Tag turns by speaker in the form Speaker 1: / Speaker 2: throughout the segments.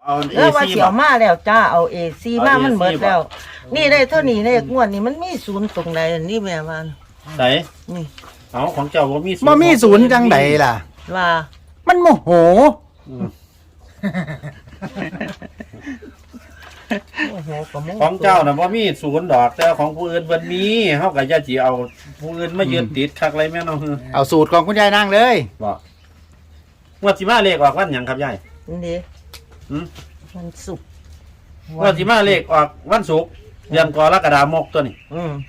Speaker 1: เอาเอ
Speaker 2: ว่า
Speaker 1: ซี
Speaker 2: เสียวมาแล้วจ้าเอาเอซีมามันหมดแล้ว นี่ได้เท่านี้เลขงวดนี่มันมีศูนย์ตรงไหนนี่แม่มัน
Speaker 1: ใส่
Speaker 2: นี่
Speaker 1: เอาของเจ้าบ่มี
Speaker 3: บ่มีศูนย์จังใดล่ะ
Speaker 2: ว่า
Speaker 3: มันโมโห
Speaker 2: โอ้โหก็โม
Speaker 1: ของเจ้าน่ะบ่มีศูนย์ดอกแต่ของผู้อื่นเพิ่นมีเฮาก็อย่าสิเอาผู้อื่นมายึดติดคักไรแม่น้อง
Speaker 3: เอาสูตรของคุณยายนางเลย
Speaker 1: บ่งวดสิมาเลขออกวันหยังครับยาย
Speaker 2: นี่
Speaker 1: หืม
Speaker 2: มันสุกร์
Speaker 1: งวดสิมาเลขออกวันศุกร์เดือนกรกฎาคมตัวนี้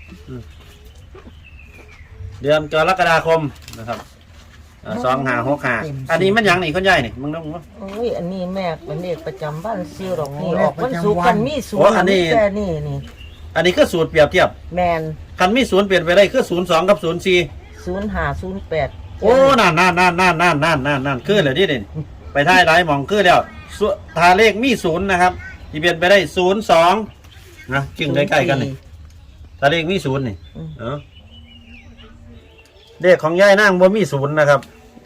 Speaker 1: เดือนกรกฎาคมนะครับ2565อันนี้มันหยังนี่คุณยายนี่มึงต้อง
Speaker 2: โอ้ยอันนี้แม่เป็นเลขประจำบ้านซิวดอกนี่ออกวันศุกร์มันมีศูน
Speaker 1: โอ้
Speaker 2: ย์
Speaker 1: อันนี้
Speaker 2: แค่นี่นี่
Speaker 1: อันนี้คือสูตรเปรียบเทียบ
Speaker 2: แมน
Speaker 1: คันมีศูนย์เปลี่ยนไปได้คือ02กับ04
Speaker 2: 0508
Speaker 1: โอ้นั่นคือเลยที่เด่นไปท้ายหลายหมองคือแล้วถ้าเลขมีศูนย์นะครับที่เปลี่ยนไปได้02นะจึงใกล้ๆกันนี่ถ้าเลขมีศูนย์นี่เลขของยายนางบ่มีศูนย์นะครับ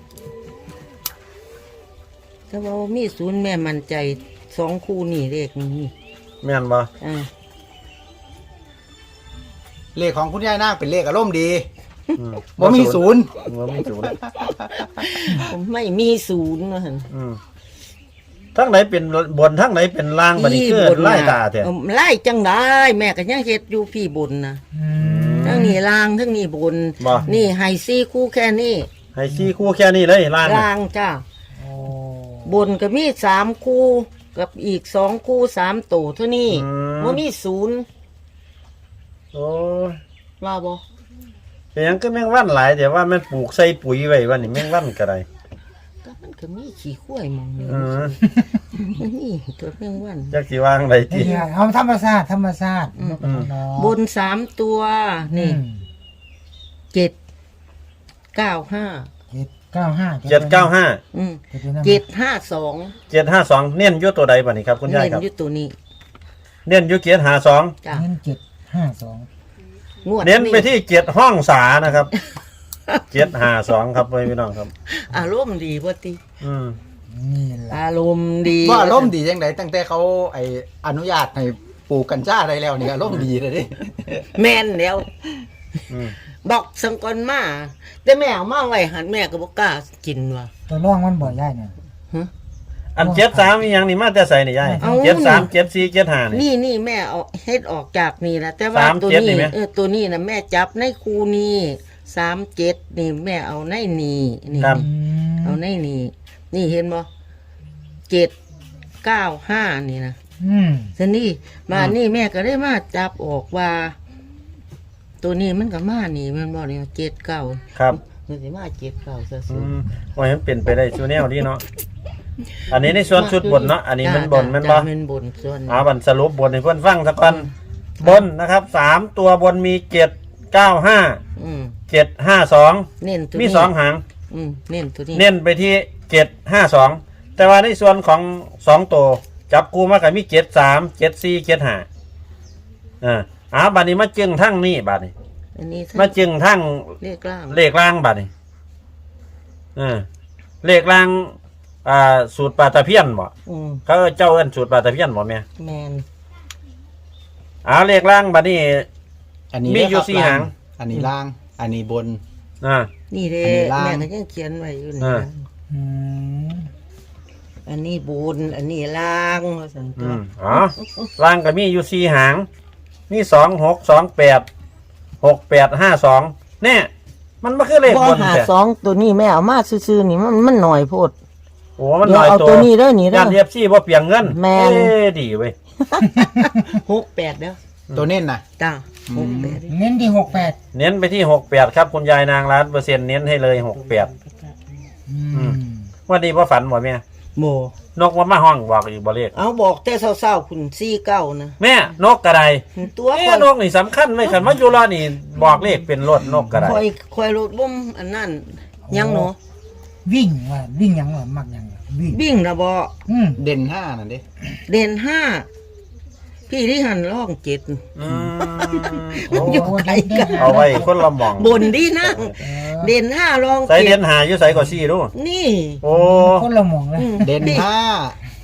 Speaker 2: ถ้าว่ามีศูนย์แม่มั่นใจ2คู่นี่เลขนี่
Speaker 1: แม่นบ่
Speaker 3: เลขของคุณยายนางเป็นเลขอารมณ์ดี
Speaker 1: อืม
Speaker 3: บ่มีศูนย์
Speaker 1: บ่มีศูนย์
Speaker 2: ผมไม่มีศูนย์นะฮะ
Speaker 1: ทั้งไหนเป็นบนทั้งไหนเป็นล่างบัดนี้คือไล่ตาแท้
Speaker 2: ไล่จังได้แม่ก็ยังเฮ็ดอยู่พี่บนนะทั้งนี้ล่างทั้งนี้บน
Speaker 1: บ่
Speaker 2: นี่ไฮซี่คู่แค่นี้
Speaker 1: ให้ชี้คู่แค่นี้เลยล่างน่ะ
Speaker 2: ล่างจ้าบนก็มี3คู่กับอีก2คู่3ตัวเท่านี้บ่มีศูนย์
Speaker 1: โอ้ย
Speaker 2: ว่าบ่
Speaker 1: เป็นหยังก็แมงวันหลายแต่ว่ามันปลูกใส่ปุ๋ยไว้วันนี้แมงวันก็ได้
Speaker 2: ก็มันก็มีขี้ข้วยหมองนี่ นี่ตัวเพียงวัน
Speaker 1: จักสิวางได้ติ
Speaker 4: เอาธรรมชาติธรรมชาติ
Speaker 2: บน3ตัวนี่795
Speaker 4: 795
Speaker 2: อืม
Speaker 4: 795
Speaker 2: 752
Speaker 1: 752เน้นอยู่ตัวใดบัดนี้ครับคุณยายครับ
Speaker 2: เน้นอยู่ตัวนี้
Speaker 1: เน้นอยู่752
Speaker 2: จ้ะ
Speaker 4: เน้น752
Speaker 2: งวด
Speaker 1: เน้นไปที่7ห้องษานะครับ752ครับพี่น้องครับ
Speaker 2: อารมณ์ดีบ่ติ
Speaker 4: นี่แหละ
Speaker 2: อารมณ์ดี
Speaker 3: ว่าอารมณ์ดีจังไดตั้งแต่เขาอนุญาตให้ปลูกกัญชาได้แล้วนี่อารมณ์ดีเลยดิ
Speaker 2: แม่นแล้ว
Speaker 1: อืม
Speaker 2: บอกสังกอนมาแต่แม่เอามาไว้หันแม่ก็บ่กล้ากินว่ะ
Speaker 4: ตัวร่องมันบ่ย่ายเนี่ย
Speaker 1: อัน73มีหยังนี่มาแต่ใส่นี่ยาย
Speaker 2: เอา
Speaker 1: 73 74 75นี่
Speaker 2: นี่แม่เอาเฮ็ดออกจากนี่นะแต่ว่า
Speaker 1: 37
Speaker 2: ตัว
Speaker 1: นี่
Speaker 2: นี้
Speaker 1: ไหม
Speaker 2: ตัวนี้นะแม่จับในคูนี้37นี่แม่เอาในนี่นี่
Speaker 1: ครับ
Speaker 2: เอาในนี่นี่เห็นบ่795นี่นะ ทีนี้มานี่แม่ก็ได้มาจับออกว่า ตัวนี้มันก็มานี่มันบอกเนี่ย79
Speaker 1: ครับ
Speaker 2: มันสิมา79ซะ
Speaker 1: อืมว่ามันเป็นไปได้ชูแนวนี้เนาะอันนี้ในส่วนชุดบนเนาะอันนี้มันบนมันบ่
Speaker 2: มันบนส่วน
Speaker 1: บันสรุปบนให้เพื่อนฟังสักกันบนนะครับ3ตัวบนมี795
Speaker 2: อืม
Speaker 1: 752
Speaker 2: เน้นตัว
Speaker 1: มี
Speaker 2: นี้
Speaker 1: 2หาง
Speaker 2: เน้นตัวนี้
Speaker 1: เน้นไปที่752แต่ว่าในส่วนของ2ตัวจับกูมากับมี73 74 75บัดนี้มาจึงทั้งนี้บัดนี้
Speaker 2: อันนี้
Speaker 1: มาจึงทั้ง
Speaker 2: เลขล่าง
Speaker 1: เลขล่างบัดนี้เลขล่างสูตรปลาตะเพียนบ่
Speaker 2: อืม
Speaker 1: เขาเจ้าเอิ้นสูตรปลาตะเพียนบ่แม่
Speaker 2: แมน
Speaker 1: เลขล่างบัดนี้
Speaker 3: อันนี้
Speaker 1: มีอยู่
Speaker 3: เด้ครับ
Speaker 1: สี่หาง
Speaker 3: อันนี้ล่าง อันนี้บน
Speaker 1: อ่า
Speaker 2: นี่เด้
Speaker 3: อันนี้ล่าง
Speaker 2: แม่ก็ยังเขียนไว้อยู่นี่
Speaker 1: อ่า
Speaker 2: นะอันนี้บนอันนี้ล่างว่าซั่นตัว
Speaker 1: ล่างก็มีอยู่สี่หางมี26286852เนี่ยมันบ่คือเลข
Speaker 2: บ่
Speaker 1: บน
Speaker 2: หา
Speaker 1: แต่
Speaker 2: 2ตัวนี้แม่เอามาซื่อๆนี่มันหน่อยโพด
Speaker 1: โอ้มัน
Speaker 2: เดี๋
Speaker 1: น้
Speaker 2: ยว
Speaker 1: อย
Speaker 2: เอา
Speaker 1: ตัว
Speaker 2: ตัวนี้เด้อนี่เด้
Speaker 1: ย่า
Speaker 2: อน
Speaker 1: เรียบซี่บ่เปลียงเงิน
Speaker 2: แม่น
Speaker 1: ดีเว้ย
Speaker 2: 68เด้อ
Speaker 3: ตัวเน้นนะ
Speaker 2: จ้า
Speaker 3: อืม
Speaker 2: 68
Speaker 4: เน้นที่68
Speaker 1: เน้นไปที่68ครับคุณยายนาง100%เน้นให้เลย68วันนี้บ่ฝันบ่แม่
Speaker 2: โม
Speaker 1: นกมาห้องบอกอีกบ่เลข
Speaker 2: เอาบอกแต่เศร้าๆคุณ49นะ
Speaker 1: แม่นกกระได
Speaker 2: ตัว
Speaker 1: นกนี่สำคัญไว้คันว่าอยู่รอนี่บอกเลขเป็นรถนกกระได
Speaker 2: คอยรถบ่มอันนั้นยังเนาะ
Speaker 4: วิ่งว่าวิ่งหยังว่ามักหยังว่าวิ่ง
Speaker 2: วิ่งนะบ่
Speaker 3: เด่น5นั่นดิ
Speaker 2: เด่น5พี่ที่หันร่อง7
Speaker 1: อืม
Speaker 2: มันอยู่ไกลกัน
Speaker 1: เอาไว้คนละหม่อง
Speaker 2: บนดีนะเด่น5รอง
Speaker 1: ใส่เด่น
Speaker 2: 7
Speaker 1: หาอยู่ใส่ก็ซี่ดู
Speaker 2: นี่
Speaker 1: โอ้
Speaker 4: คนละหมองเลย
Speaker 2: อืม
Speaker 3: เด่น
Speaker 2: พี่
Speaker 3: 5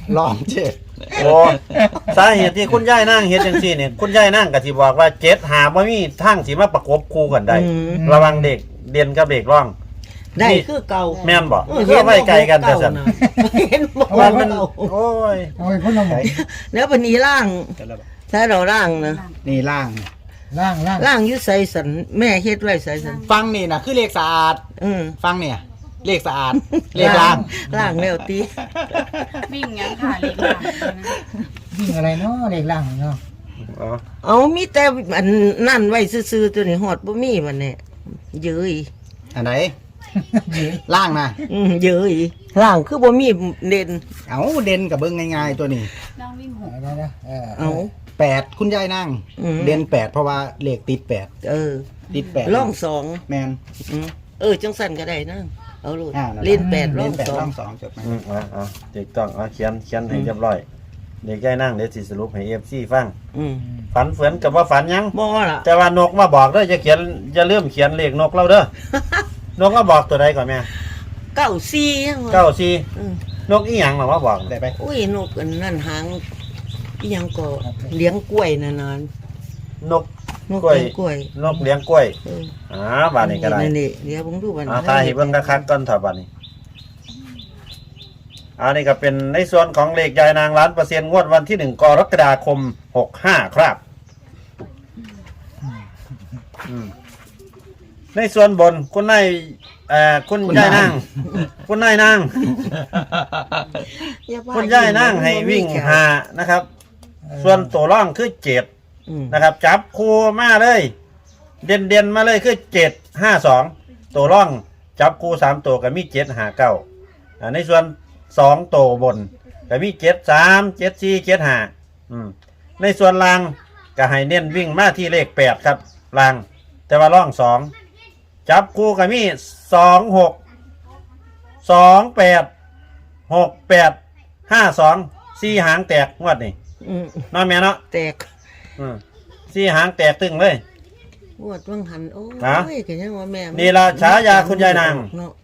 Speaker 3: ลองเจ็ด
Speaker 1: โอ้สาเหตุที่คุณยายนั่งเฮ็ดจังซี่เนี่ยคุณยายนั่งก็สิบอกว่า7หาบ่มีทางสิมาประกบคู่กันได้ ระวังเด็กเด่นกับเด็กร่อง
Speaker 2: ได้คือเก่า
Speaker 1: แม่นบ่เพื่อไว้ไกลกันแต่ซั่น
Speaker 2: เห็นบ่
Speaker 1: ว่า
Speaker 2: ว่า
Speaker 1: มั
Speaker 2: มัน น
Speaker 1: โอ้ย
Speaker 4: เอาไปพ่นน้ำหมอก
Speaker 2: แล้วบัดนี้ล่างถ้าเราล่างนะ
Speaker 3: นี่ล่าง
Speaker 4: ล่าง
Speaker 2: ล่างอยู่ไสสันแม่เฮ็ดไว้ไสสัน
Speaker 3: ฟังนี่นะคือเลขสะอาด ฟังเนี่ย เลขสะอาด เลขล่าง
Speaker 2: ล่างแล้วติ
Speaker 5: วิ่งยังค่ะเล็กล่าง
Speaker 4: วิ่งอะไรเนาะเลขล่างเนาะ
Speaker 1: อ๋อ
Speaker 2: เอามีแต่อันนั่นไว้ซื่อๆตัวนี้ฮอดบ่มีบัดนี้เย้ย
Speaker 3: อันไหนล่างนะ
Speaker 2: เย้ยล่างคือบ่มีเด่น
Speaker 3: เอาเด่นกับเบิ้งง่ายๆตัวนี้
Speaker 5: นั่งวิ่งหก
Speaker 4: ได้นะ
Speaker 2: เอา
Speaker 3: 8คุณยายนั่ง เด่น8เพราะว่าเลขติด8
Speaker 2: เออ
Speaker 3: ติด8
Speaker 2: ร่องสอง
Speaker 3: แมน
Speaker 2: จังสั่นก็ได้นะเอาลูก
Speaker 3: นั่นแหะ
Speaker 2: เล่น8ร่
Speaker 3: เล่
Speaker 2: อง
Speaker 3: น8
Speaker 2: สอ
Speaker 3: ร่
Speaker 2: ง
Speaker 3: อง2จบไหม
Speaker 1: เด็กต้องเขียนให้เรียบร้อยเด็กยายนั่งเดี๋ยวสิสรุปให้ FC ฟัง ฝันเฟือนกับว่าฝันยัง
Speaker 2: บ่ล่ะ
Speaker 1: แต่ว่านกมาบอกเด้อจะเริ่มเขียนเลขนกเราเด้อนกมาบอกตัวใดก่อนแม่
Speaker 2: 94ยังวะ
Speaker 1: 94นกอีหยังหรอว่าบอก
Speaker 3: ได้ไป
Speaker 2: อุ้ยนกอันนั่นหางอีหยังก็เลี้ยงกล้วยนั่นน่ะ
Speaker 1: นก
Speaker 2: นก
Speaker 1: กล้วย
Speaker 2: เลี้ยงกล้วย
Speaker 1: นกเลี้ยงกล้วย
Speaker 2: เออ
Speaker 1: บ้านนี้ก็ได้
Speaker 2: นี่เดี๋ยวผมดูบัด
Speaker 1: ตายให้เบิ่งคักๆก่อนเถอะบัดนี้อันนี้ก็เป็นในส่วนของเลขยายนาง1,000,000งวดวันที่1กรกฎาคม65ครับในส่วนบนคุณนายคุณยายนางคุณนายนาง
Speaker 2: อย่ว่า
Speaker 1: คุณยายนั่งให้วิ่งหานะครับ ส่วนตัวร่องคือ7นะครับ จับคู่มาเลย เด่นมาเลยคือ752ตัวร่องจับคู่3ตัวก็มี759ในส่วน2ตัวบนก็มี73 74 75ในส่วนล่างก็ให้เน้นวิ่งมาที่เลข8ครับล่างแต่ว่าร่อง2จับคู่ก็มี26 28 68 52 4หางแตกงวดนี่น้อยแม่เนาะ
Speaker 2: แตก
Speaker 1: 4หางแตกตึงเลย
Speaker 2: งวดวังหันโอ้
Speaker 1: ฮะ
Speaker 2: ยก็ยังว่าแม่
Speaker 1: นี่ล่ะฉายาคุณยายนาง
Speaker 2: เนาะ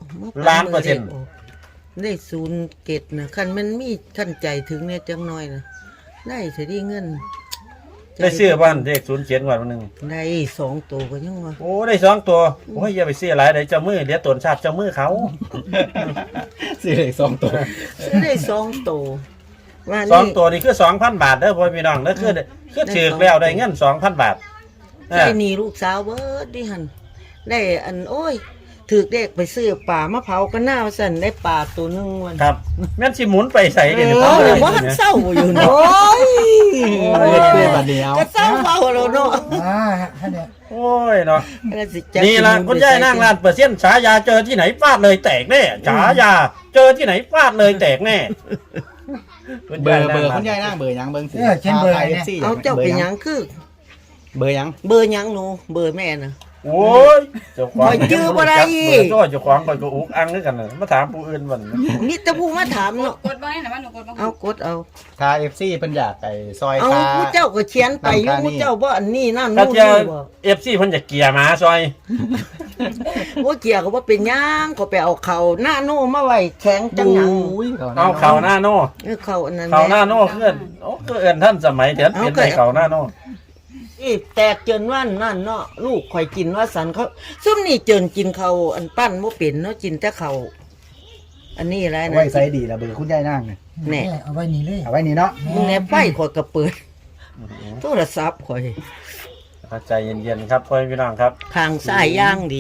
Speaker 1: 1,000,000
Speaker 2: ได้0เกตนะคันมันมีขั้นใจถึงเนี่ยจังน้อยนะได้สิได้เงิน
Speaker 1: ได้ซื้อบ้านเลข07งวดวันหนึง
Speaker 2: ได้2ตัวก็ยังว่า
Speaker 1: โอ้ได้2ตัวโอ้ยอย่าไปซื้อหลายเดี๋ยวเจ้ามือเดี๋ยวตนชาติเจ้ามือเขา
Speaker 3: ซื้อเลข2ตัว
Speaker 2: ซื้อได้2ตัวว่า
Speaker 1: สอ
Speaker 2: นี่
Speaker 1: งตัวนี่คือ 2,000 บาทเด้อพ่อพี่น้องเด้อคือถือแล้วได้เงิน 2,000 บาท
Speaker 2: ได้หนีลูกสาวเบิดดิหันได้อันโอ้ยถือเด็กไปซื้อป่ามะเผากันหน้าสั่นได้ป่าตัวหนึงวัน
Speaker 1: ครับแม่นสิหมุนไปใส่เดี๋ยวนี้
Speaker 2: เออว่าหันเศร้าอยู่เนาะ
Speaker 3: เฮ็ดเพื่อบัดเดียว
Speaker 2: ก็เศร้าเบาแล้วเนาะ
Speaker 4: ท่านเนี่ย
Speaker 1: โอ้ยเนาะ
Speaker 2: แล้วสิจัก
Speaker 1: นี่ล่ะคุณยายนั่ง1,000,000ฉายาเจอที่ไหนฟาดเลยแตกแน่ฉายาเจอที่ไหนฟาดเลยแตกแน่
Speaker 3: เบอร์คุณยายนั่งเบอร์หยังเบิ่งสิ
Speaker 4: เช่นเบอร์
Speaker 3: พา
Speaker 4: เนี่ย
Speaker 3: FC
Speaker 2: เอาเจ้าเป็นหยังคือ
Speaker 3: เบอร์หยัง
Speaker 2: เบอร์หยังหนูเบอร์แม่น่ะ
Speaker 1: โอ้ยเจ้าของ
Speaker 2: โอ้ยจื้อบ่ได้
Speaker 1: เจ้าของก็อุกอังด้วยกันน่ะมาถามผู้อื่นมัน
Speaker 2: มีแต่ผู้มาถามเนาะ
Speaker 5: กดบ้างนะว่าหนูกดบ้าง
Speaker 2: เอากดเอา
Speaker 3: ถ้า FC เพิ่นอยากไอ้ซอย
Speaker 2: เอา
Speaker 3: ค่า
Speaker 2: ผู้เจ้าก็เขียนไปอยู่
Speaker 3: นั่นค่านี่
Speaker 2: ผู้เจ้าบ่อันนี้นั่น
Speaker 1: ถ้า
Speaker 2: นู่น
Speaker 1: เจ้า
Speaker 2: นี่บ่
Speaker 1: FC เพิ่นจะเกลียหมาซอย
Speaker 2: ว่าเกี่ยวก็บ่เป็นหยังก็ไปเอาเขาหน้าโน่มาไว้แข็งจังหยัง
Speaker 3: อุ้ย
Speaker 1: เอาเขาหน้าโน่
Speaker 2: เขาอันนั้น
Speaker 1: เขาหน้าโน่เพื่อนโอ้ก็เอิ้นท่านสมัยเดี๋ยวเป็นในเขาหน้าโน่
Speaker 2: อีแตกเจินว่านนั่นเนาะลูกข่อยกินว่าสันเขาซุ่มนี่เจินกินเขาอันปั้นบ่เป็นเนาะกินแต่เขาอันนี้อะไร
Speaker 3: เอา
Speaker 2: นะ
Speaker 3: ไว้ใส่ดีละเบอร์คุณยายนั่งเนี่ย
Speaker 2: แน่
Speaker 4: เอาไว้นี่เลย
Speaker 3: เอาไว้นี่เนาะ
Speaker 2: มึงแน่ไฟข่อยก็เปิดโทรศัพท์ข่อย
Speaker 1: ใจเย็นๆครับพ่อพี่น้องครับ
Speaker 2: ทางซ้ายย่างดี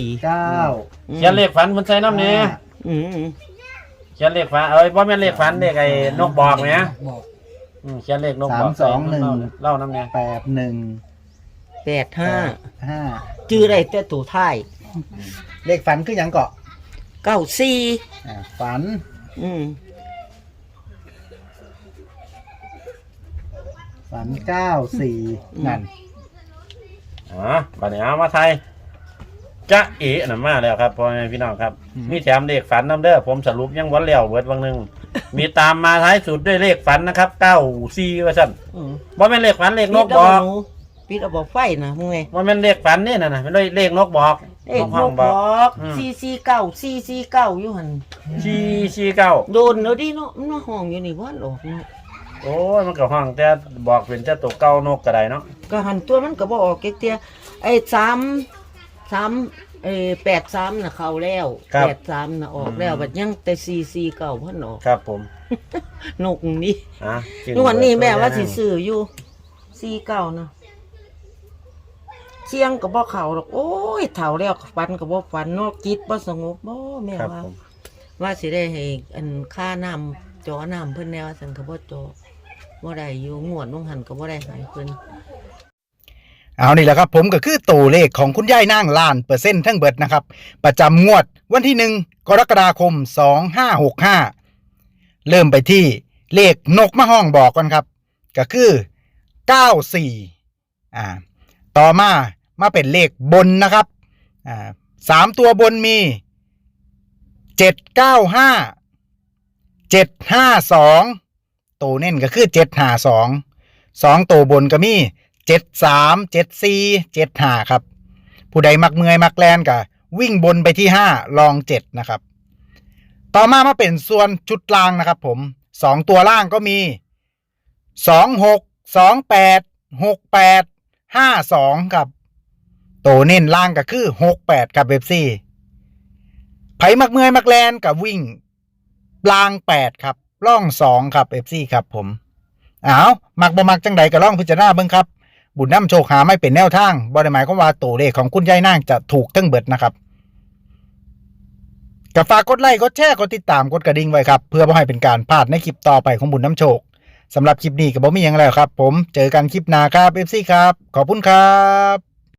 Speaker 3: 9
Speaker 1: เขียนเลขฝันมันใส่น้ำเนี่ย
Speaker 2: อืม
Speaker 1: เขียนเลขฝันเอ้ยบ่แม่นเลขฝันเลขไอ้นกบอกเนี่ย
Speaker 4: บอก
Speaker 1: เขียนเลขนกบอกใส่เล่าน้ำเนี่ย
Speaker 3: 81
Speaker 2: 85
Speaker 3: 5
Speaker 2: จื้อได้แต่ตัวท้าย
Speaker 3: เลขฝันคือหยังเกาะ
Speaker 2: 94
Speaker 3: ฝัน ฝัน94นั่น
Speaker 1: บัดนี้เอามาไทยจะเอ๋น่ะมาแล้วครับพ่อแม่พี่น้องครับ มีแถมเลขฝันน้ำเด้อผมสรุปยังวันแล้วเบิดวังหนึง มีตามมาท้ายสุดด้วยเลขฝันนะครับ94ว่าซั่นบ่แม่นเลขฝันเลขนกบอก
Speaker 2: ปิดเอาบ่ไฟนะมึงไง
Speaker 1: บ่แม่นเลขฝันนี่น่ะเป็นเลขนกบอก
Speaker 2: เอ็ก
Speaker 1: ห้
Speaker 2: บ
Speaker 1: องบอก
Speaker 2: อก
Speaker 1: อืม
Speaker 2: 449อยู่หั่น
Speaker 1: 449
Speaker 2: โดนแล้วดิเนาะมันมาห้องอยู่นี่บ่ออกเนาะ
Speaker 1: โอ้ยมันก็ห้องแต่บอกเป็นแต่ตัวเก่านกก็ได้เนาะ
Speaker 2: ก็หันตัวมันก็บ่ออกเตี้ยไอ้83น่ะเข้าแล้ว83น่ะออกแล้วบัดยังแต่449เพิ่นออก
Speaker 1: ครับผม
Speaker 2: นกนี่
Speaker 1: จริง
Speaker 2: นวลนี่แม่ว่าสิซื้ออยู่49นะเชียงก็บ่เข้าดอกโอ้ยเฒ่าแล้วฝันก็บ่ฝันเนาะจิตบ่สงบบ่แม่
Speaker 1: ครับ
Speaker 2: ว่า
Speaker 1: ผม
Speaker 2: ว่าสิได้ให้อันค่าน้ำจอน้ำเพิ่นแนวสันก็บ่จอบ่ได้อยู่งวดลงหันก็บ่ได้ให้เพิ่น
Speaker 3: เอานี่แหละครับผมก็คือตัวเลขของคุณยายนางล้าน%ทั้งเบิดนะครับประจำงวดวันที่1กรกฎาคม2565เริ่มไปที่เลขนกมาห้องบอกกันครับก็คือ94ต่อมาเป็นเลขบนนะครับ3ตัวบนมี795 752ตัวเน้นก็คือ752 2ตัวบนก็มี73 74 75ครับผู้ใดมักเมื่อยมักแลนก็วิ่งบนไปที่5ลอง7นะครับต่อมาเป็นส่วนชุดล่างนะครับผม2ตัวล่างก็มี26 28 68 52ครับตัวเน้นล่างก็คือ68ครับFCไผมักเมื่อยมักแลนกับวิ่งล่าง8ครับล่อง2ครับ FC ครับผมมักบ่มักจังใดก็ลองพิจารณาเบิ่งครับบุญนำโชคหาไม่เป็นแนวทางบ่ได้หมายความว่าตัวเลขของคุณยายนางจะถูกทั้งเบิดนะครับก็ฝากกดไลค์กดแชร์กดติดตามกดกระดิ่งไว้ครับเพื่อบ่ให้เป็นการพลาดในคลิปต่อไปของบุญนำโชคสำหรับคลิปนี้ก็บ่มีหยังแล้วครับผมเจอกันคลิปหน้าครับ FC ครับขอบคุณครับ